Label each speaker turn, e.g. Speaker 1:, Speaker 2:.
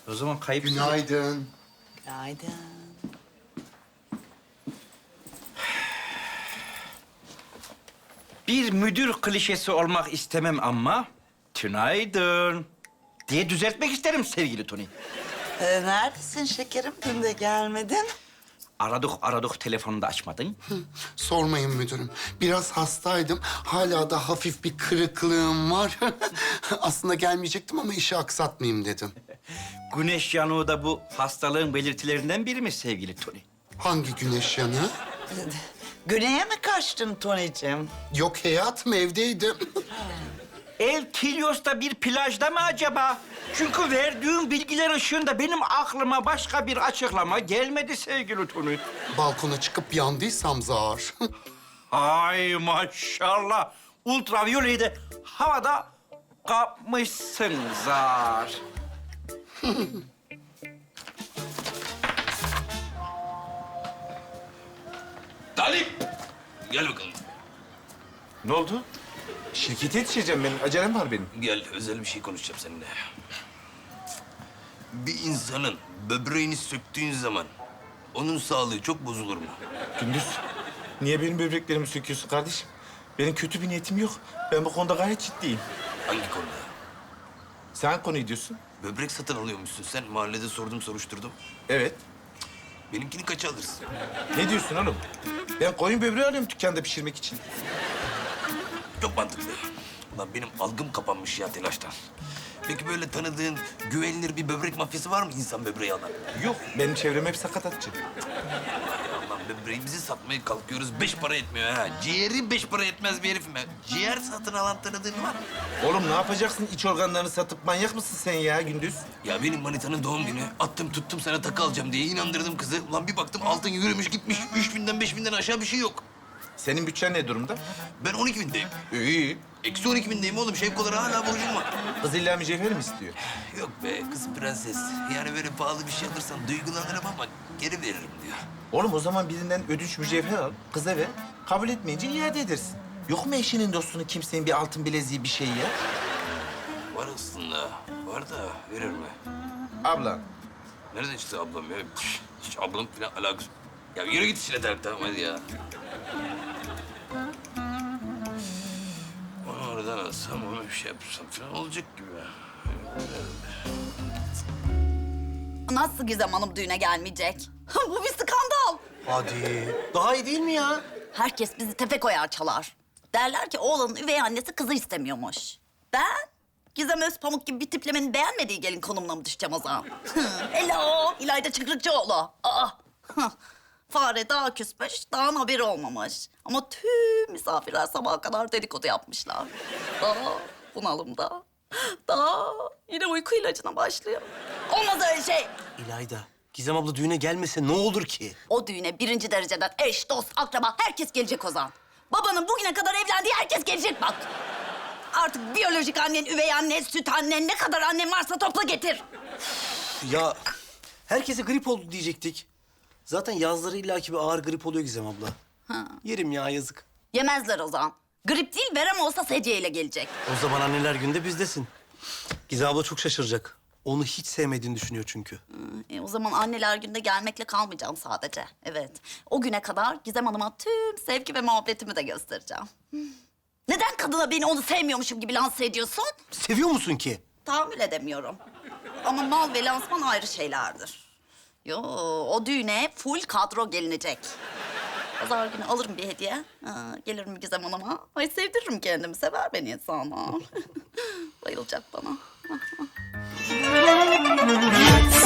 Speaker 1: O zaman kayıp...
Speaker 2: Günaydın.
Speaker 3: Günaydın.
Speaker 1: Bir müdür klişesi olmak istemem ama... Tünaydın diye düzeltmek isterim sevgili Tony.
Speaker 3: Neredesin şekerim? Dün de gelmedin.
Speaker 1: Aradık telefonunu da açmadın.
Speaker 2: Sormayın müdürüm. Biraz hastaydım. Hala da hafif bir kırıklığım var. Aslında gelmeyecektim ama işi aksatmayayım dedim.
Speaker 1: Güneş yanığı da bu hastalığın belirtilerinden biri mi sevgili Tony?
Speaker 2: Hangi güneş yanığı?
Speaker 3: Güney'e mi kaçtın Tony'cim?
Speaker 2: Yok hayatım, evdeydim.
Speaker 1: El Kilyos'ta bir plajda mı acaba? Çünkü verdiğin bilgiler ışığında benim aklıma başka bir açıklama gelmedi sevgili Tony.
Speaker 2: Balkona çıkıp yandıysam zar.
Speaker 1: Ay maşallah. Ultraviyoleyi de havada kapmışsın zar.
Speaker 4: Talip! Gel bakalım.
Speaker 5: Ne oldu? Şirkete yetişeceğim ben. Acelem var benim.
Speaker 4: Gel, özel bir şey konuşacağım seninle. Bir insanın böbreğini söktüğün zaman onun sağlığı çok bozulur mu?
Speaker 5: Gündüz, niye benim böbreklerimi söküyorsun kardeşim? Benim kötü bir niyetim yok. Ben bu konuda gayet ciddiyim.
Speaker 4: Hangi konuda?
Speaker 5: Sen konuyu diyorsun.
Speaker 4: Böbrek satın alıyormuşsun sen. Mahallede sordum, soruşturdum.
Speaker 5: Evet.
Speaker 4: Benimkini kaça alırsın?
Speaker 5: Ne diyorsun oğlum? Ben koyun böbreği alıyorum dükkanda pişirmek için.
Speaker 4: Çok mantıklı. Ulan benim algım kapanmış ya telaştan. Peki böyle tanıdığın, güvenilir bir böbrek mafyası var mı insan böbreği alan?
Speaker 5: Yok, benim çevrem hep sakatatçı.
Speaker 4: Ya ulan böbreğimizi satmaya kalkıyoruz, 5 para etmiyor ha. Ciğeri 5 para etmez bir herifim ben. Ciğer satın alan tanıdığın var mı?
Speaker 5: Oğlum ne yapacaksın iç organlarını satıp manyak mısın sen ya Gündüz?
Speaker 4: Ya benim manitanın doğum günü. Attım tuttum sana takı alacağım diye inandırdım kızı. Ulan bir baktım altın yürümüş gitmiş. 3000'den 5000'den aşağı bir şey yok.
Speaker 5: Senin bütçen ne durumda?
Speaker 4: Ben 12.000'deyim.
Speaker 5: İyi.
Speaker 4: Eksi 12.000'deyim oğlum. Şevkolara hala borcum var.
Speaker 5: Kız illa mücevher mi istiyor?
Speaker 4: Yok be kız prenses. Yani böyle pahalı bir şey alırsan duygulanırım ama geri veririm diyor.
Speaker 5: Oğlum o zaman birinden ödünç mücevher al, kıza ver. Kabul etmeyince iade edersin. Yok mu eşinin dostunun kimsenin bir altın bileziği bir şey ya?
Speaker 4: Var aslında. Var da verir mi?
Speaker 5: Abla,
Speaker 4: Nereden çıktı ablam ya? Hiç ablam falan alakası... Ya yürü git işine Tarık, tamam hadi ya. Onu oradan alsam, onu bir şey yapsam falan olacak gibi.
Speaker 6: Nasıl Gizem Hanım düğüne gelmeyecek? Bu bir skandal.
Speaker 7: Hadi. Daha iyi değil mi ya?
Speaker 6: Herkes bizi tepe koyar çalar. Derler ki oğlanın üvey annesi kızı istemiyormuş. Ben Gizem Özpamuk gibi bir tiplemenin beğenmediği gelin konumuna mı düşeceğim o zaman? Hello, İlayda Çıkrıkçıoğlu. Aa, fare daha küsmüş, dağın haberi olmamış. Ama tüm misafirler sabaha kadar dedikodu yapmışlar. Daha bunalımda. Daha yine uyku ilacına başlıyor. Olmaz öyle şey.
Speaker 7: İlayda, Gizem abla düğüne gelmese ne olur ki?
Speaker 6: O düğüne birinci dereceden eş, dost, akraba herkes gelecek Ozan. Babanın bugüne kadar evlendiği herkes gelecek bak. Artık biyolojik annen, üvey annen, süt annen, ne kadar annen varsa topla getir.
Speaker 7: Ya herkese grip oldu diyecektik. Zaten yazları illaki bir ağır grip oluyor Gizem abla. Yerim ya yazık.
Speaker 6: Yemezler Ozan. Grip değil, verem olsa sedyeyle gelecek.
Speaker 7: O zaman anneler günde bizdesin. Gizem abla çok şaşıracak. Onu hiç sevmediğini düşünüyor çünkü.
Speaker 6: O zaman anneler günde gelmekle kalmayacağım sadece. Evet. O güne kadar Gizem Hanım'a tüm sevgi ve muhabbetimi de göstereceğim. Neden kadına beni onu sevmiyormuşum gibi lanse ediyorsun?
Speaker 7: Seviyor musun ki?
Speaker 6: Tahammül edemiyorum. Ama mal ve lansman ayrı şeylerdir. Yo, o düğüne full kadro gelinecek. Pazar günü alırım bir hediye. Gelirim Gizem Hanım'a. Ay sevdiririm kendimi. Sever beni sana. Bayılacak bana.